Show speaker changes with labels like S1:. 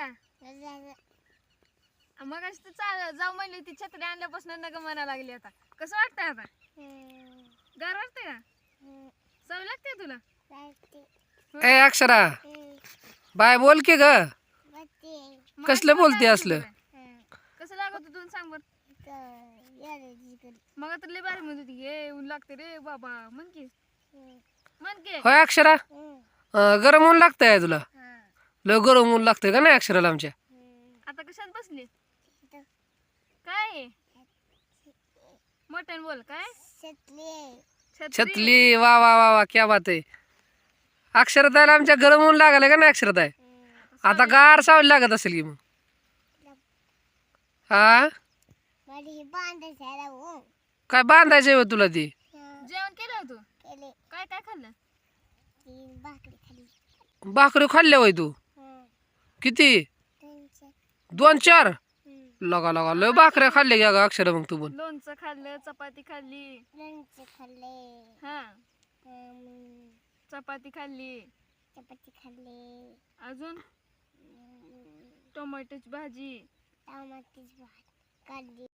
S1: का मग तू जाऊ म्हणली ती छत्री आणल्यापासून नग म्हणा लागली आता कसं वाटतंय आता गार वाटतंय का चव लागते तुला
S2: ए अक्षरा बाय बोल की ग कसलं बोलते असलं
S1: कसं लागत तुला सांग बर मग तर लय बारी म्हणत होती हे ऊन लागते रे बाबा म्हण की
S2: होय अक्षरा गरम ऊन लागतंय तुला लय गरम ऊन लागतंय का नाही अक्षराला आमच्या
S1: आता कशात बसली काय मोठ्याने बोल काय
S2: छतली वा वा वा वा क्या बात आहे अक्षरताईला आमच्या गरम ऊन लागले का नाही अक्षरताई आता गार सावली लागत असेल की मग हा काय बांधायचंय तुला ती
S1: जेवण केलं तू काय काय खाल्लं
S2: भाकरी खाल्ल्या वय तू किती 2-4 लगा लगा लय भाकऱ्या खाल्ल्या घ्या ग अक्षर मग तू पण
S1: लोणचं खाल्लं चपाती खाल्ली हा चपाती खाल्ली अजून टोमॅटोची भाजी